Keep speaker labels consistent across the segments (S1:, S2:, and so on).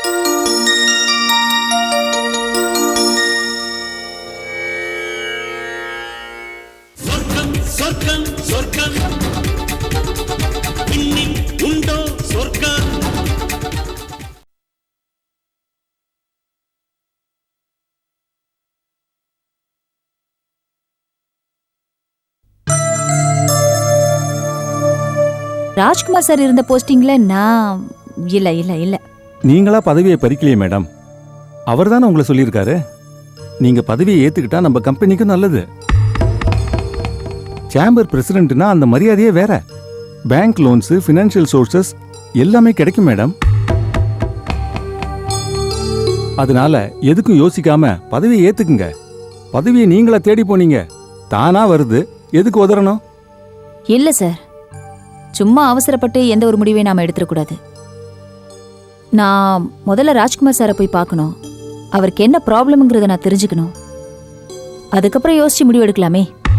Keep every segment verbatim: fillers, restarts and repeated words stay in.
S1: Rajkumar sir இருந்த போஸ்டிங்ல நான் இல்ல இல்ல இல்ல.
S2: நீங்களா பதவியை பறிக்கலையே மேடம், அவர் தானே உங்களை சொல்லியிருக்காரு. நீங்க பதவியை ஏத்துக்கிட்டா நம்ம கம்பெனிக்கு நல்லது. சேம்பர் பிரசிடென்ட்னா அந்த மரியாதையே வேற. பேங்க் லோன்ஸ், ஃபினான்ஷியல் சோர்சஸ் எல்லாமே கிடைக்கும் மேடம். அதனால எதுக்கும் யோசிக்காம பதவியை ஏத்துக்குங்க. பதவியை நீங்களா தேடி போனீங்க, தானா வருது, எதுக்கு உதறணும்?
S1: இல்ல சார், சும்மா அவசரப்பட்டு எந்த ஒரு முடிவையும் நாம எடுத்துடக்கூடாது. நான் முதல்ல ராஜ்குமார் சாரை போய் பார்க்கணும். அவருக்கு என்ன ப்ராப்ளம்ங்கிறத நான் தெரிஞ்சுக்கணும். அதுக்கப்புறம் யோசிச்சு முடிவு எடுக்கலாமே.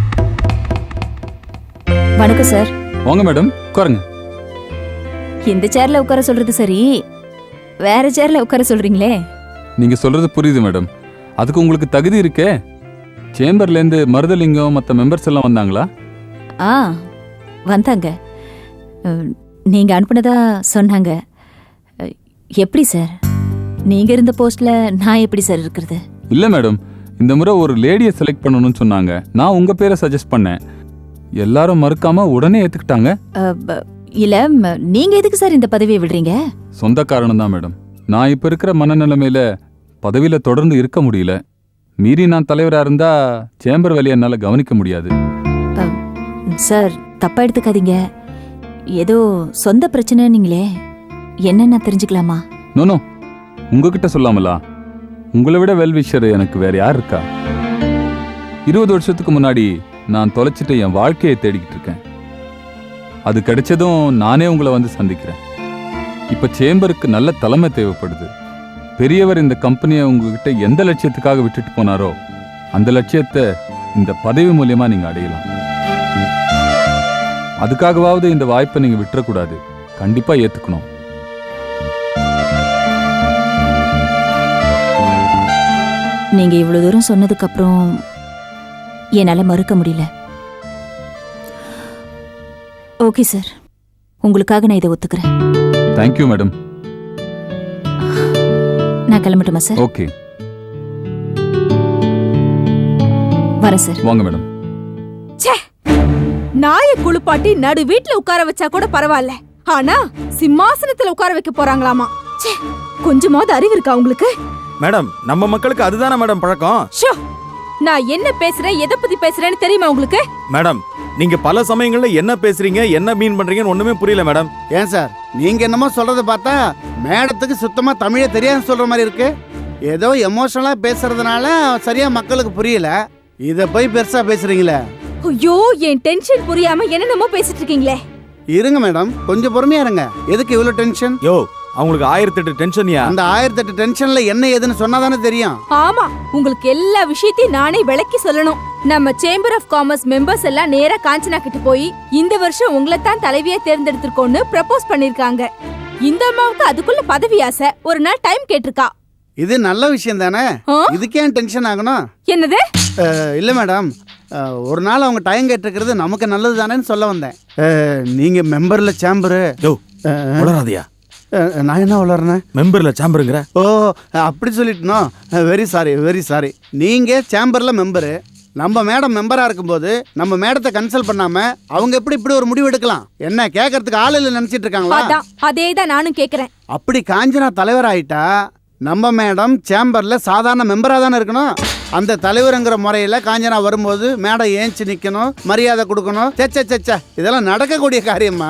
S1: வணக்கம் சார்.
S2: வாங்க மேடம், உட்காருங்க.
S1: இந்த சேர்ல உட்கார சொல்றது சரி, வேற சேர்ல உட்கார சொல்றீங்களே.
S3: நீங்க சொல்றது புரியுது மேடம். அதுக்கு உங்களுக்கு தகுதி இருக்கே. சேம்பர்ல இருந்து மருதலிங்கம் மற்ற மெம்பர்ஸ் எல்லாம் வந்தாங்களா?
S1: ஆ வந்தாங்க. நீங்க அனுப்புனதா சொன்னாங்க. எப்படி சார், நீங்க இருந்த போஸ்ட்ல நான் எப்படி சார் இருக்கிறது?
S3: இல்ல மேடம், இந்த முறை ஒரு லேடியை செலக்ட் பண்ணணும்னு சொன்னாங்க. நான் உங்க பேரை சஜஸ்ட் பண்ணேன். எல்லாரும் மறுக்காம உடனே ஏத்துக்கிட்டாங்க.
S1: இல்ல, நீங்க எதுக்கு சார் இந்த பதவியை விடுறீங்க?
S3: சொந்த காரணம் தான் மேடம். நான் இப்ப இருக்கிற மனநிலைமையில பதவியில தொடர்ந்து இருக்க முடியல. மீறி நான் தலைவரா இருந்தா சேம்பர் வேலையை என்னால கவனிக்க முடியாது.
S1: சார் தப்பா எடுத்துக்காதீங்க. ஏதோ சொந்த பிரச்சனை நீங்களே, என்னன்னா தெரிஞ்சுக்கலாமா?
S3: நோனோ, உங்ககிட்ட சொல்லாமலா? உங்களை விட வெல்விஷர் எனக்கு வேற யார் இருக்கா? இருபது வருஷத்துக்கு முன்னாடி நான் தொலைச்சிட்டு என் வாழ்க்கையை தேடிக்கிட்டு இருக்கேன். அது கிடைச்சதும் நானே உங்களை வந்து சந்திக்கிறேன். இப்ப சேம்பருக்கு நல்ல தலைமை தேவைப்படுது. பெரியவர் இந்த கம்பெனியை உங்ககிட்ட எந்த லட்சியத்துக்காக விட்டுட்டு போனாரோ அந்த லட்சியத்தை இந்த பதவி மூலியமா நீங்க அடையலாம். அதுக்காகவாவது இந்த வாய்ப்பை நீங்க விட்டுறக்கூடாது. கண்டிப்பா ஏத்துக்கணும்.
S1: நீங்க இவ்வளவு தூரம் சொன்னதுக்கு அப்புறம் என்னால மறுக்க முடியல. ஓகே சார், உங்களுக்காக நான் இதை ஒத்துக்கிறேன்.
S3: Thank you madam.
S1: நான் கிளம்பட்டுமா சார்?
S3: ஓகே,
S1: வரேன் சார்.
S3: வாங்க மேடம்.
S4: நாய குளிப்பாட்டி நடு வீட்டுல உட்கார வச்சா கூட பரவாயில்ல, ஆனா சிம்மாசனத்துல உட்கார வைக்க போறாங்களாமா. கொஞ்சமாவது அறிவு இருக்கா உங்களுக்கு?
S5: மேடம், நம்ம மக்களுக்கு அதுதானே மேடம் பழக்கம்.
S4: ஷோ, நான் என்ன பேசுறேன், எதை பத்தி பேசுறேன்னு தெரியுமா உங்களுக்கு?
S5: மேடம், நீங்க பல சமயங்கள்ல என்ன பேசுறீங்க, என்ன மீன் பண்றீங்கன்னு ஒண்ணுமே புரியல மேடம்.
S6: ஏன் சார், நீங்க என்னமோ சொல்றத பார்த்தா மேடத்துக்கு சுத்தமா தமிழே தெரியாது சொல்ற மாதிரி இருக்கு. ஏதோ எமோஷனலா பேசுறதுனால சரியா மக்களுக்கு புரியல. இத போய் பெருசா பேசுறீங்களே.
S4: ஐயோ, என் டென்ஷன் புரியாம என்னென்னமோ பேசிட்டு இருக்கீங்களே.
S6: இருங்க மேடம், கொஞ்சம் பொறுமையா இருங்க. எதுக்கு இவ்வளவு டென்ஷன்?
S5: யோ, அவங்களுக்கு ஆயிரத்தி எட்டு டென்ஷன்யா.
S6: அந்த ஆயிரத்தி எட்டு டென்ஷன்ல என்ன ஏதுன்னு சொன்னாதானே தெரியும்.
S4: ஆமா, உங்களுக்கு எல்லா விஷயத்தையும் நானே விளக்கி சொல்லணும். நம்ம சேம்பர் ஆஃப் காமர்ஸ் மெம்பர்ஸ் எல்லாம் நேரா காஞ்சனா கிட்ட போய் இந்த வருஷம் உங்களை தான் தலைவியா தேர்ந்தெடுத்திருக்கோன்னு ப்ரப்போஸ் பண்ணிருக்காங்க. இந்த அம்மாவுக்கு அதுக்குள்ள பதவி ஆசை. ஒரு நாள் டைம் கேட்டிருக்கா.
S6: இது நல்ல விஷயம் தானே, இதுக்கே டென்ஷன் ஆகணும்?
S4: என்னது?
S6: இல்ல மேடம், ஒரு நாள் அவங்க டைம் கேட்டிருக்கிறது நமக்கு நல்லது தானேன்னு சொல்ல வந்தேன். நீங்க மெம்பர்ல சேம்பரு.
S5: யோ, வளராதியா.
S6: நான் என்ன வளர்றேன்?
S5: மெம்பர்ல சேம்பருங்கிற.
S6: ஓ, அப்படி சொல்லிட்டுனோ. Very sorry very sorry. நீங்க சேம்பர்ல மெம்பரு, நம்ம மேடம் மெம்பரா இருக்கும்போது நம்ம மேடத்தை கன்சல்ட் பண்ணாம அவங்க எப்படி இப்படி ஒரு முடிவு எடுக்கலாம்? என்ன கேட்கறதுக்கு ஆள் இல்ல நினைச்சிட்டு இருக்காங்களா?
S4: அதேதான் நானும் கேக்குறேன்.
S6: அப்படி காஞ்சனா தலைவர் ஆயிட்டா நம்ம மேடம் சேம்பர்ல சாதாரண மெம்பரா தானே இருக்கணும். அந்த தலைவருங்கிற முறையில காஞ்சனா வரும்போது மேடம் ஏஞ்சி நிக்கணும், மரியாதை கொடுக்கணும். சச்ச சச்ச இதெல்லாம் நடக்கக்கூடிய காரியமா?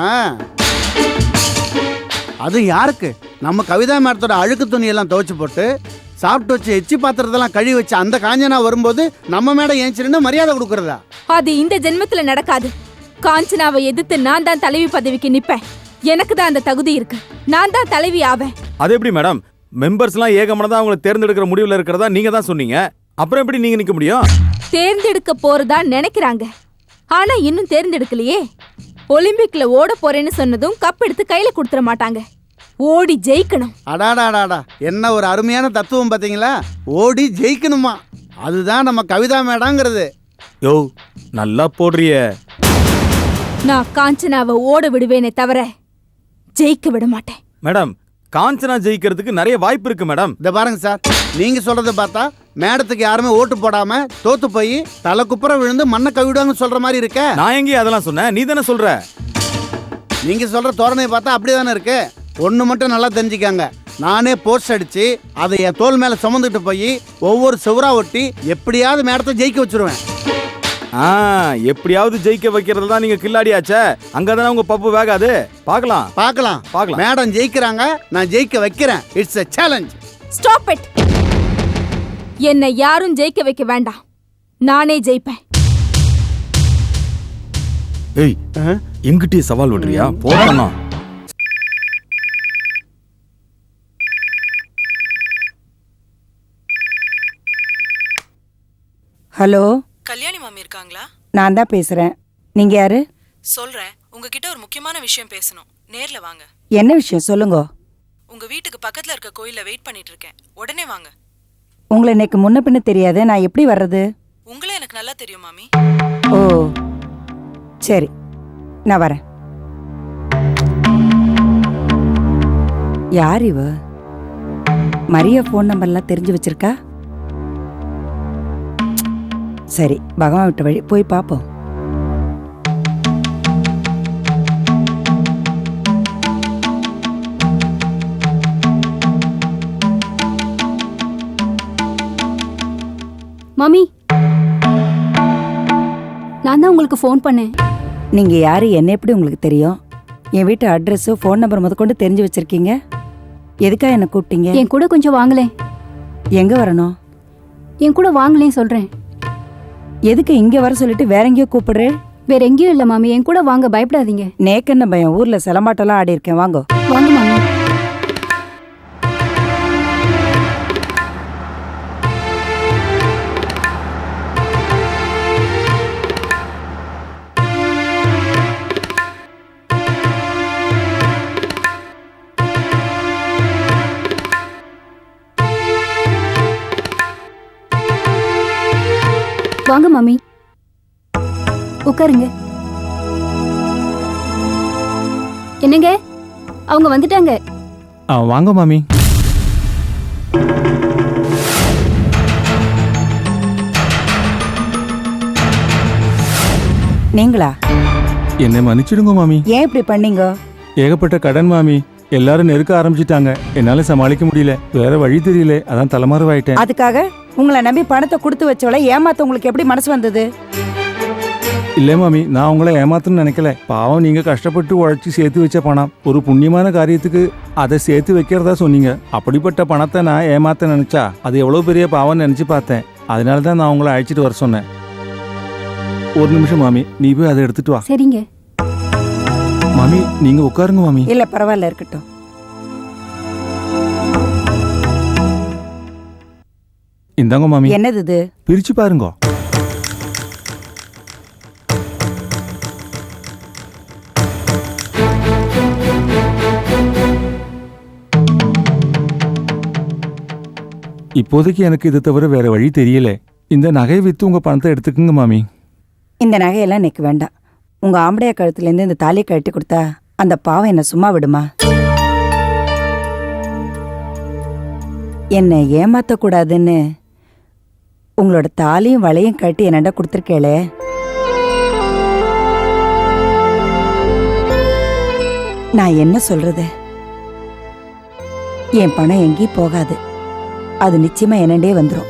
S6: அது யாருக்கு? நம்ம கவிதா மேடத்தோட அழுக்கு துணியெல்லாம் துவைச்சு போட்டு சாப்பிட்டு வச்சு எச்சி பாத்திரத்தெல்லாம் கழுவி வச்சு அந்த காஞ்சனா வரும்போது நம்ம மேடம் ஏஞ்சிருந்து மரியாதை கொடுக்கறதா?
S4: அது இந்த ஜென்மத்துல நடக்காது. காஞ்சனாவை எதிர்த்து நான் தான் தலைவி பதவிக்கு நிப்பேன். எனக்கு தான் அந்த தகுதி இருக்கு. நான் தான் தலைவி ஆவேன்.
S5: அது எப்படி மேடம்? மெம்பர்ஸ் எல்லாம் ஏகமனதா அவங்களை தேர்ந்தெடுக்கிற முடிவுல இருக்கிறதா நீங்க தான் சொன்னீங்க. அப்புறம் எப்படி நீங்க நிக்க முடியும்?
S4: தேர்ந்தெடுக்க போறதா நினைக்கிறாங்க, ஆனா இன்னும் தேர்ந்தெடுக்கலையே. ஒலிம்பிக்ல ஓட போறேன்னு சொன்னதும் கப் எடுத்து கையில கொடுத்துட மாட்டாங்க. ஓடி ஜெயிக்கணும்.
S6: அடாடாடாடா, என்ன ஒரு அருமையான தத்துவம் பார்த்தீங்களா? ஓடி ஜெயிக்கணுமா, அதுதான் நம்ம கவிதா மேடங்கிறது.
S5: யோ நல்லா போடுறிய.
S4: நான் காஞ்சனாவை ஓட விடுவேனே தவிர ஜெயிக்க விட மாட்டேன்.
S5: மேடம், காஞ்சனா ஜெயிக்கிறதுக்கு நிறைய வாய்ப்பு இருக்கு மேடம்.
S6: இதை பாருங்க சார், நீங்க சொல்றத பார்த்தா மேடத்துக்கு யாருமே ஓட்டு போடாம தோத்து போய் தலை குப்புற விழுந்து மண்ணை கவிடுவாங்கன்னு சொல்ற மாதிரி இருக்க.
S5: நான் எங்கேயும் அதெல்லாம் சொன்னேன், நீ தானே சொல்ற.
S6: நீங்க சொல்ற தோரணையை பார்த்தா அப்படிதானே இருக்கு. ஒன்று மட்டும் நல்லா தெரிஞ்சுக்காங்க, நானே போஸ்ட் அடிச்சு அதை என் தோல் மேல சுமந்துட்டு போய் ஒவ்வொரு செவரா ஒட்டி எப்படியாவது மேடத்தை ஜெயிக்க வச்சிருவேன்.
S5: ஆ, எப்படியாவது ஜெயிக்க வைக்கிறது தான் நீங்க கில்லாடியாச்சே. அங்கதானே உங்க பப்பு வேகாது. பார்க்கலாம்
S6: பார்க்கலாம்
S5: பார்க்கலாம்.
S6: மேடம் ஜெயிக்கிறாங்க, நான் ஜெயிக்க வைக்கிறேன். It's a challenge.
S4: Stop it. என்னை யாரும் ஜெயிக்க வைக்க வேண்டாம், நானே ஜெயிப்பேன்.
S5: ஏய், எங்கிட்டே சவால் விடுறியா? போறேன்னா
S7: ஹலோ,
S8: கல்யாணி மாமி இருக்காங்களா?
S7: நான் தான் பேசுறேன். நீங்க யாரு?
S8: சொல்றேன், உங்ககிட்ட ஒரு முக்கியமான விஷயம் பேசணும். நேர்ல வாங்க.
S7: என்ன விஷயம் சொல்லுங்க.
S8: உங்க வீட்டுக்கு பக்கத்துல இருக்க கோயில்ல வெயிட் பண்ணிட்டு இருக்கேன். உடனே வாங்க.
S7: உங்களை எனக்கு முன்ன பின்ன தெரியாது, நான் எப்படி வர்றது?
S8: உங்களே எனக்கு நல்லா தெரியும் மாமி.
S7: ஓ சரி, நான் வரேன். யார் இவ? மரியா ஃபோன் நம்பர்லாம் தெரிஞ்சு வச்சிருக்கா? சரி, பகவான் விட்ட வழி போய் பார்ப்போம்.
S1: மாமி, நான் தான் உங்களுக்கு ஃபோன் பண்ணேன்.
S7: நீங்க யாரு, என்ன எப்படி உங்களுக்கு தெரியும்? என் வீட்டு அட்ரஸ், ஃபோன் நம்பர் முதற்கொண்டு தெரிஞ்சு வச்சிருக்கீங்க. எதுக்கா என்ன கூப்பிட்டீங்க?
S1: என் கூட கொஞ்சம் வாங்களேன்.
S7: எங்க வரணும்?
S1: என் கூட வாங்களேன் சொல்றேன்.
S7: எதுக்கு இங்க வர சொல்லிட்டு வேற எங்கேயோ கூப்பிடுறேன்?
S1: வேற எங்கேயும் இல்ல மாமி, என் கூட வாங்க, பயப்படாதீங்க.
S7: நேக்கென்ன பயம், ஊர்ல சிலம்பாட்டெல்லாம் ஆடி இருக்கேன், வாங்கோ.
S1: வாங்க மாமி. வாங்க மாமி, உட்காருங்க. என்னங்க, அவங்க வந்துட்டாங்க.
S2: ஆ, வாங்க மாமி.
S7: நீங்களா?
S2: என்னை மன்னிச்சிடுங்க மாமி.
S7: ஏன் இப்படி பண்ணீங்க?
S2: ஏகப்பட்ட கடன் மாமி, எல்லாரும் நெருக்க ஆரம்பிச்சிட்டாங்க. என்னால சமாளிக்க முடியல, வேற வழி தெரியல, அதான் தலைமறைவாயிட்டேன்.
S7: அதுக்காக உங்களை நம்பி பணத்தை கொடுத்து வச்சவளை ஏமாத்த உங்களுக்கு எப்படி மனசு வந்தது?
S2: இல்ல மாமி, நான் உங்களை ஏமாத்தணும்னு நினைக்கல. பாவம், நீங்க கஷ்டப்பட்டு உழைச்சி சேர்த்து வச்ச பணம், ஒரு புண்ணியமான காரியத்துக்கு அதை சேர்த்து வைக்கிறதா சொன்னீங்க. அப்படிப்பட்ட பணத்தை நான் ஏமாத்த நினைச்சா அது எவ்வளவு பெரிய பாவம் நினைச்சு பார்த்தேன். அதனால தான் நான் உங்களை அழைச்சிட்டு வர சொன்னேன். ஒரு நிமிஷம் மாமி, நீ போய் அதை எடுத்துட்டு வா.
S1: சரிங்க
S2: மாமி, நீங்க உட்காருங்க மாமி.
S7: இல்ல பரவாயில்ல, இருக்கட்டும்.
S2: இந்தாங்க மாமி,
S7: என்னது இது?
S2: பிரிச்சு பாருங்க. இப்போதைக்கு எனக்கு இதை தவிர வேற வழி தெரியல. இந்த நகையை வித்து உங்க பணத்தை எடுத்துக்குங்க மாமி.
S7: இந்த நகையெல்லாம் எனக்கு வேண்டாம். உங்க ஆம்படையா கழுத்துல இருந்து இந்த தாலியை கழட்டி கொடுத்தா அந்த பாவம் என்ன சும்மா விடுமா? என்னை ஏமாத்த கூடாதுன்னு உங்களோட தாலியும் வளையும் கட்டி என்னடா கொடுத்துருக்கேளே. நான் என்ன சொல்றது? என் பணம் எங்கேயும் போகாது, அது நிச்சயமா என்னண்டே வந்துடும்.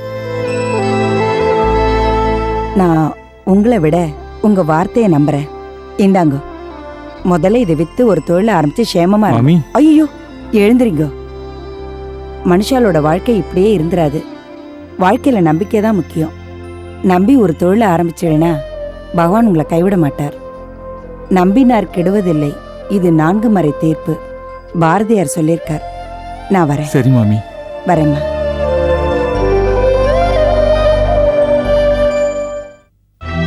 S7: நான் உங்களை விட உங்க வார்த்தையை நம்புறேன். இந்தாங்க, முதல்ல இதை வித்து ஒரு தொழில ஆரம்பிச்சு சேமமா
S2: மாமி.
S7: இருக்கும். ஐயோ, எழுந்துறீங்க. மனுஷாலோட வாழ்க்கை இப்படியே இருந்துராது. வாழ்க்கையில நம்பிக்கை தான் முக்கியம். நம்பி ஒரு தொழில ஆரம்பிச்சிடுனா பகவான் உங்களை கைவிட மாட்டார். நம்பினார் கெடுவதில்லை, இது நான்கு மறை தீர்ப்பு. பாரதியார் சொல்லியிருக்கார். நான் வரேன்.
S2: சரி மாமி,
S7: வரேம்மா.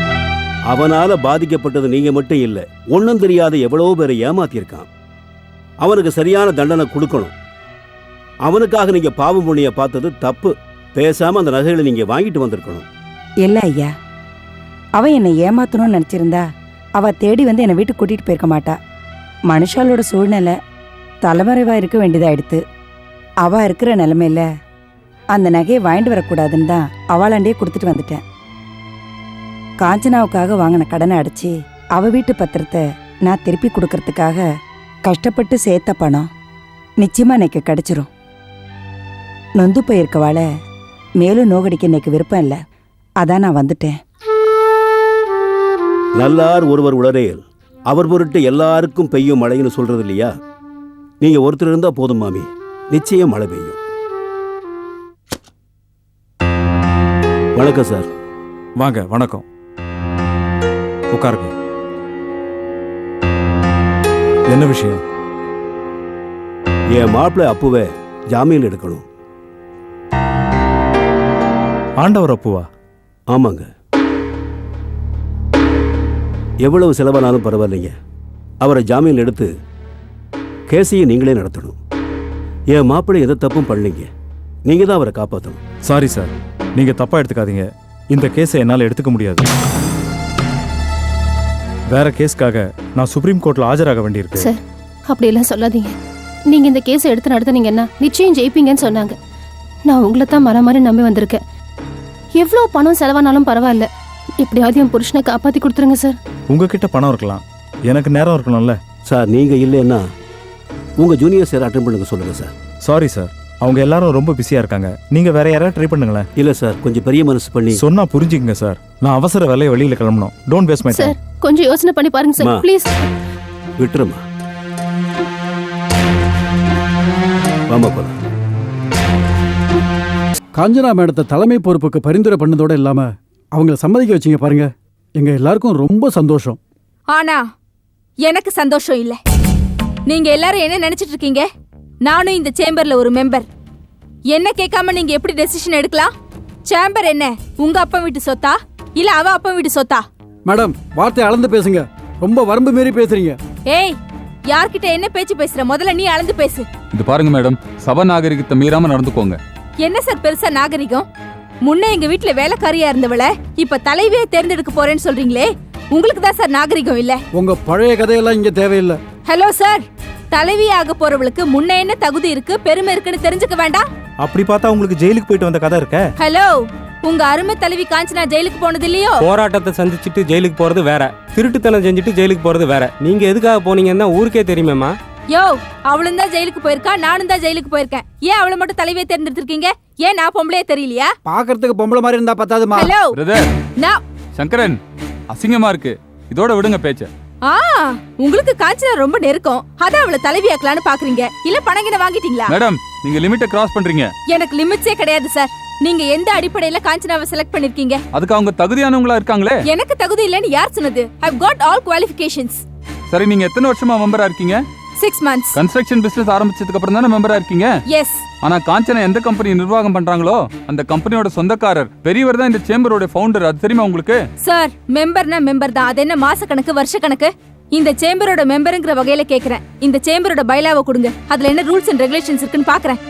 S9: அவனால பாதிக்கப்பட்டது நீங்க மட்டும் இல்ல, ஒண்ணும் தெரியாத எவ்வளவு பேரை ஏமாத்திருக்கான். அவனுக்கு சரியான தண்டனை கொடுக்கணும். அவனுக்காக நீங்க பாவம் புண்ணிய பார்த்தது தப்பு. பேசாம அந்த நகைகளை நீங்க வாங்கிட்டு வந்திருக்கணும்.
S7: இல்ல ஐயா, அவ என்னை ஏமாத்தணும்னு நினைச்சிருந்தா அவ தேடி வந்து என்னை வீட்டுக்கு கூட்டிட்டு போயிருக்க மாட்டா. மனுஷாலோட சூழ்நிலை தலைமறைவா இருக்க வேண்டியதாயிடுத்து. அவ இருக்கிற நிலைமையில அந்த நகையை வாங்கிட்டு வரக்கூடாதுன்னு தான் அவளாண்டே கொடுத்துட்டு வந்துட்டேன். காஞ்சனாவுக்காக வாங்கின கடனை அடைச்சி அவ வீட்டு பத்திரத்தை நான் திருப்பி கொடுக்கறதுக்காக கஷ்டப்பட்டு சேர்த்த பணம் நிச்சயமா எனக்கு கிடைச்சிரும். நொந்து போயிருக்கவாள மேலும் நோகடிக்க எனக்கு விருப்பம் இல்லை. அதான் நான் வந்துட்டேன்.
S9: நல்லார் ஒருவர் உளரேல் அவர் பொருட்டு எல்லாருக்கும் பெய்யும் மழைன்னு சொல்றது இல்லையா? நீங்க ஒருத்தர் இருந்தா போதும் மாமி, நிச்சயம் மழை பெய்யும். வணக்கம் சார்.
S10: வாங்க. வணக்கம். உட்காருங்க. என்ன விஷயம்?
S9: என் மாப்பிள்ளை அப்புவே ஜாமீன் எடுக்கணும்.
S10: ஆண்டவர் அப்புவா?
S9: ஆமாங்க. எவ்வளவு செலவானாலும் பரவாயில்லைங்க, அவரை ஜாமீன் எடுத்து கேஸையை நீங்களே நடத்தணும். என் மாப்பிள்ளை எதை தப்பும் பண்ணீங்க, நீங்க தான் அவரை காப்பாற்றணும்.
S10: சாரி சார், நீங்க தப்பா எடுத்துக்காதீங்க. இந்த கேஸை என்னால் எடுத்துக்க முடியாது. வேற கேஸ்க்காக நான் சுப்ரீம் கோர்ட்ல ஆஜராக வேண்டியிருக்கு.
S11: சார், அப்படியெல்லாம் சொல்லாதீங்க. நீங்க இந்த கேஸை எடுத்து நடத்துனீங்கன்னா நிச்சயம் ஜெயிப்பீங்கன்னு சொன்னாங்க. நான் உங்களை தான் மர மாதிரி நம்பி வந்திருக்கேன். எவ்வளோ பணம் செலவானாலும் பரவாயில்ல, எப்படியாவது என் புருஷனை காப்பாற்றி கொடுத்துருங்க சார்.
S10: உங்ககிட்ட பணம் இருக்கலாம், எனக்கு நேரம் இருக்கணும்ல.
S9: சார், நீங்க இல்லைன்னா உங்க ஜூனியர் சார் அட்டென்ட் பண்ணுங்க சொல்லுங்க சார்.
S10: சாரி சார், அவங்க எல்லாரும் ரொம்ப பிஸியா இருக்காங்க. நீங்க வேற யாராவது ட்ரை பண்ணுங்களேன்.
S9: இல்ல சார், கொஞ்சம் பெரிய மனசு பண்ணி
S10: சொன்னா புரிஞ்சுக்கங்க சார். நான் அவசர வேலையை வெளியில கிளம்பணும். Don't waste my time.
S11: Sir, கொஞ்சம் யோசனை பண்ணி பாருங்க சார், ப்ளீஸ்.
S9: விட்டுருமா. வாமா போலாம்.
S12: காஞ்சனா மேடத்தை தலைமை பொறுப்புக்கு பரிந்துரை பண்ணதோட இல்லாம அவங்கள சம்மதிக்க வச்சீங்க பாருங்க. எங்க எல்லாருக்கும் ரொம்ப சந்தோஷம்.
S4: ஆனா எனக்கு சந்தோஷம் இல்ல. நீங்க எல்லாரும் என்ன நினைச்சிட்டு இருக்கீங்க? நானும் இந்த சேம்பர்ல ஒரு மெம்பர். என்ன கேட்காம நீங்க எப்படி டெசிஷன் எடுக்கலாம்? சேம்பர் என்ன உங்க அப்பா வீட்டு சொத்தா இல்ல அவ அப்பா வீட்டு சொத்தா?
S12: மேடம், வார்த்தை அளந்து பேசுங்க. ரொம்ப வரம்பு மீறி பேசுறீங்க.
S4: ஏய், யார்கிட்ட என்ன பேச்சு பேசுற? முதல்ல நீ அளந்து பேசு.
S3: இது பாருங்க மேடம், சபா நாகரிகத்தை மீறாம நடந்துக்கோங்க.
S4: என்ன சார் பெருசா நாகரிகம்? முன்ன எங்க வீட்டுல வேலைக்காரியா இருந்தவள இப்ப தலைவியை தேர்ந்தெடுக்க போறேன்னு சொல்றீங்களே, உங்களுக்கு தான் சார் நாகரிகம் இல்ல.
S12: உங்க பழைய கதையெல்லாம் இங்க தேவையில்லை.
S4: ஹலோ சார், தலைவியாக போறவளுக்கு முன்ன என்ன தகுதி இருக்கு, பெருமை இருக்குன்னு தெரிஞ்சுக்க வேண்டாம்?
S10: அப்படி பார்த்தா உங்களுக்கு ஜெயிலுக்கு போயிட்டு வந்த கதை இருக்க.
S4: ஹலோ, உங்க அருமை தலைவி காஞ்சனா ஜெயிலுக்கு போனது இல்லையோ?
S13: போராட்டத்தை சந்திச்சுட்டு ஜெயிலுக்கு போறது வேற, திருட்டுத்தனம் செஞ்சுட்டு ஜெயிலுக்கு போறது வேற. நீங்க எதுக்காக போனீங்கன்னா ஊருக்கே தெரியுமேமா.
S4: யோ, அவளும் தான் ஜெயிலுக்கு போயிருக்கா, நானும் தான் ஜெயிலுக்கு போயிருக்கேன். ஏன் அவளை மட்டும் தலைவியை தேர்ந்தெடுத்திருக்கீங்க? ஏன் நான் பொம்பளையே தெரியலையா?
S12: பாக்குறதுக்கு பொம்பளை மாதிரி இருந்தா பத்தாதுமா.
S4: ஹலோ
S3: பிரதர்,
S4: நான்
S3: சங்கரன், அசிங்கமா இருக்கு. இதோட விடுங்க பேச்ச.
S4: ஆ, உங்களுக்கு காஞ்சனா ரொம்ப நெருக்கம், அதான் அவளை தலைவியாக்கலான்னு பாக்குறீங்க. இல்ல பணங்கின வாங்கிட்டீங்களா?
S3: மேடம், நீங்க லிமிட்டை கிராஸ் பண்றீங்க.
S4: எனக்கு லிமிட்ஸே கிடையாது சார். நீங்க எந்த அடிப்படையில காஞ்சனாவை செலக்ட் பண்ணிருக்கீங்க?
S3: அதுக்கு அவங்க தகுதியானவங்களா இருக்காங்களே.
S4: எனக்கு தகுதி இல்லைன்னு யார் சொன்னது? I have got all qualifications.
S3: சரி, நீங்க எத்தனை வருஷமா மெம்பரா இருக்கீங்க?
S4: Six months.
S3: கன்ஸ்ட்ரக்ஷன் பிசினஸ் ஆரம்பிச்சதுக்கு அப்புறம் தானே மெம்பரா இருக்கீங்க?
S4: எஸ்.
S3: ஆனா காஞ்சனா எந்த கம்பெனி நிர்வாகம் பண்றாங்களோ அந்த கம்பெனியோட சொந்தக்காரர் பெரியவர் தான் இந்த சேம்பரோட ஃபவுண்டர். அது தெரியுமா உங்களுக்கு?
S4: சார், மெம்பர்னா மெம்பர் தான். அது என்ன மாச கணக்கு வருஷ கணக்கு? இந்த சேம்பரோட மெம்பருங்கிற வகையில கேக்குறேன். இந்த சேம்பரோட பைலாவை கொடுங்க, அதுல என்ன ரூல்ஸ் அண்ட் ரெகுலேஷன்ஸ் இருக்குன்னு பாக்குறேன்.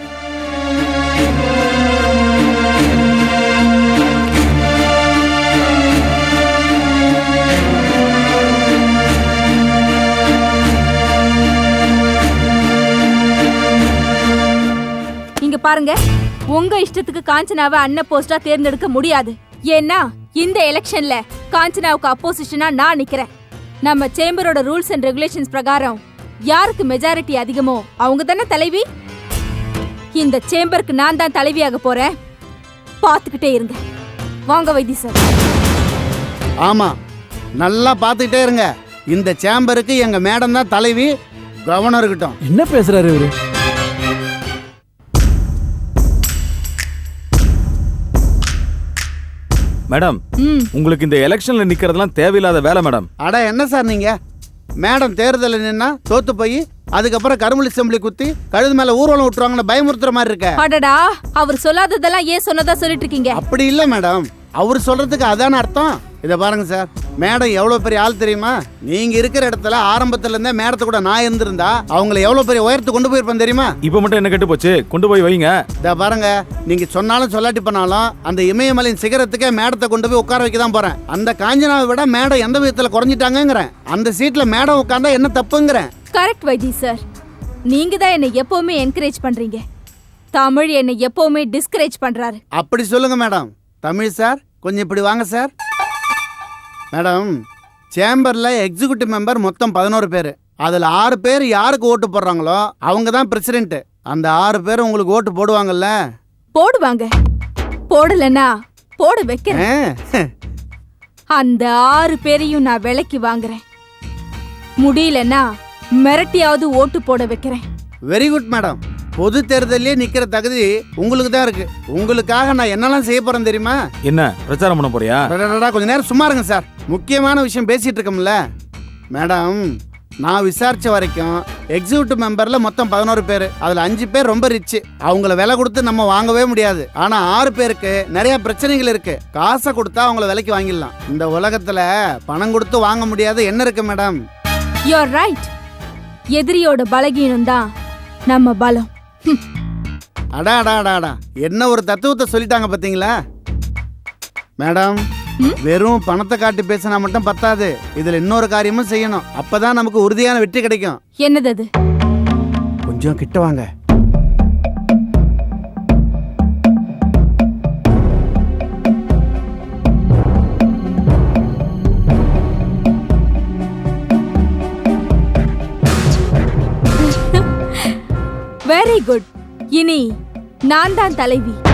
S4: இங்க பாருங்க, உங்க இஷ்டத்துக்கு காஞ்சனாவை அன்ன போஸ்டா தேர்ந்தெடுக்க முடியாது. ஏன்னா இந்த எலெக்ஷன்ல காஞ்சனாவுக்கு அப்போசிஷனா நான் நிக்கிறேன். நம்ம சேம்பரோட ரூல்ஸ் அண்ட் ரெகுலேஷன்ஸ் பிரகாரம் யாருக்கு மெஜாரிட்டி அதிகமோ அவங்க தானே தலைவி. இந்த சேம்பருக்கு நான் தான் தலைவியாக போறேன். பாத்துக்கிட்டே இருங்க. வாங்க வைத்தி சார்.
S6: ஆமா, நல்லா பார்த்துக்கிட்டே இருங்க. இந்த சேம்பருக்கு எங்க மேடம் தான் தலைவி. கவனம் இருக்கட்டும்.
S12: என்ன பேசுறாரு இவரு?
S5: மேடம், உங்களுக்கு இந்த எலெக்ஷன்ல நிக்கிறதெல்லாம் தேவையில்லாத வேலை மேடம்.
S6: அட என்ன சார் நீங்க? மேடம் தேர்தலில் நின்னா தோத்து போய் அதுக்கப்புறம் கரும்புலி செம்பளி குத்தி கழுது மேல ஊர்வலம் விட்டுருவாங்கன்னு பயமுறுத்துற மாதிரி இருக்க.
S4: அடடா, அவர் சொல்லாததெல்லாம் ஏன் சொன்னதா சொல்லிட்டு இருக்கீங்க?
S6: அப்படி இல்ல மேடம், அவர் சொல்றதுக்கு அதான அர்த்தம். இதை பாருங்க சார், மேடம் எவ்வளோ பெரிய ஆள் தெரியுமா? நீங்க இருக்கிற இடத்துல ஆரம்பத்துல இருந்தே மேடத்தை கூட நான் இருந்திருந்தா அவங்களை எவ்வளோ பெரிய உயரத்து கொண்டு போயிருப்பேன் தெரியுமா?
S5: இப்போ மட்டும் என்ன கெட்டு போச்சு, கொண்டு போய் வைங்க.
S6: இதை பாருங்க, நீங்க சொன்னாலும் சொல்லாட்டி பண்ணாலும் அந்த இமயமலையின் சிகரத்துக்கே மேடத்தை கொண்டு போய் உட்கார வைக்க தான் போறேன். அந்த காஞ்சனாவை விட மேடம் எந்த விதத்துல குறைஞ்சிட்டாங்கிறேன். அந்த சீட்ல மேடம் உட்கார்ந்தா என்ன தப்புங்கிறேன்.
S4: கரெக்ட் வைத்தி சார், நீங்க தான் என்னை எப்பவுமே என்கரேஜ் பண்றீங்க. தமிழ் என்னை எப்பவுமே டிஸ்கரேஜ் பண்றாரு.
S6: அப்படி சொல்லுங்க மேடம். தமிழ் சார் கொஞ்சம் இப்படி வாங்க சார். மேடம், சேம்பர்ல எக்ஸிக்யூட்டிவ் மெம்பர் மொத்தம் பதினோரு பேர். அதில் ஆறு பேர் யாருக்கு ஓட்டு போடுறாங்களோ அவங்க தான் பிரசிடென்ட். அந்த ஆறு பேர் உங்களுக்கு ஓட்டு போடுவாங்கல்ல?
S4: போடுவாங்க. போடலன்னா போட வைக்கிறேன். அந்த ஆறு பேரையும் நான் விலைக்கு வாங்குறேன். முடியலன்னா மிரட்டியாவது ஓட்டு போட வைக்கிறேன்.
S6: Very good madam. பொது தேர்தலே நிக்கிற தகுதி உங்களுக்கு தான் இருக்கு. உங்களுக்காக நான் என்னெல்லாம் செய்ய போறேன் தெரியுமா?
S5: என்ன பிரச்சாரம் பண்ண போறியா?
S6: கொஞ்ச நேரம் சும்மா இருங்க சார், முக்கியமான விஷயம் பேசிட்டு இருக்கோம்ல. மேடம், நான் விசாரிச்ச வரைக்கும் எக்ஸிக்யூட்டிவ் மெம்பர்ல மொத்தம் பதினோரு பேர். அதுல அஞ்சு பேர் ரொம்ப ரிச், அவங்கள விலை கொடுத்து நம்ம வாங்கவே முடியாது. ஆனா ஆறு பேருக்கு நிறைய பிரச்சனைகள் இருக்கு. காசை கொடுத்தா அவங்கள விலைக்கு வாங்கிடலாம். இந்த உலகத்துல பணம் கொடுத்து வாங்க முடியாது என்ன இருக்கு மேடம்?
S4: You are right. எதிரியோட பலகீனம் தான் நம்ம பலம்.
S6: அடா அடா அடா அடா, என்ன ஒரு தத்துவத்தை சொல்லிட்டாங்க பாத்தீங்களா மேடம்? வெறும் பணத்தை காட்டி பேசினா மட்டும் பத்தாது, இதுல இன்னொரு காரியமும் செய்யணும். அப்பதான் நமக்கு உறுதியான வெற்றி கிடைக்கும்.
S4: என்னது அது?
S6: கொஞ்சம் கிட்ட வாங்க.
S4: Very good. இனி நான் தான் தலைவி.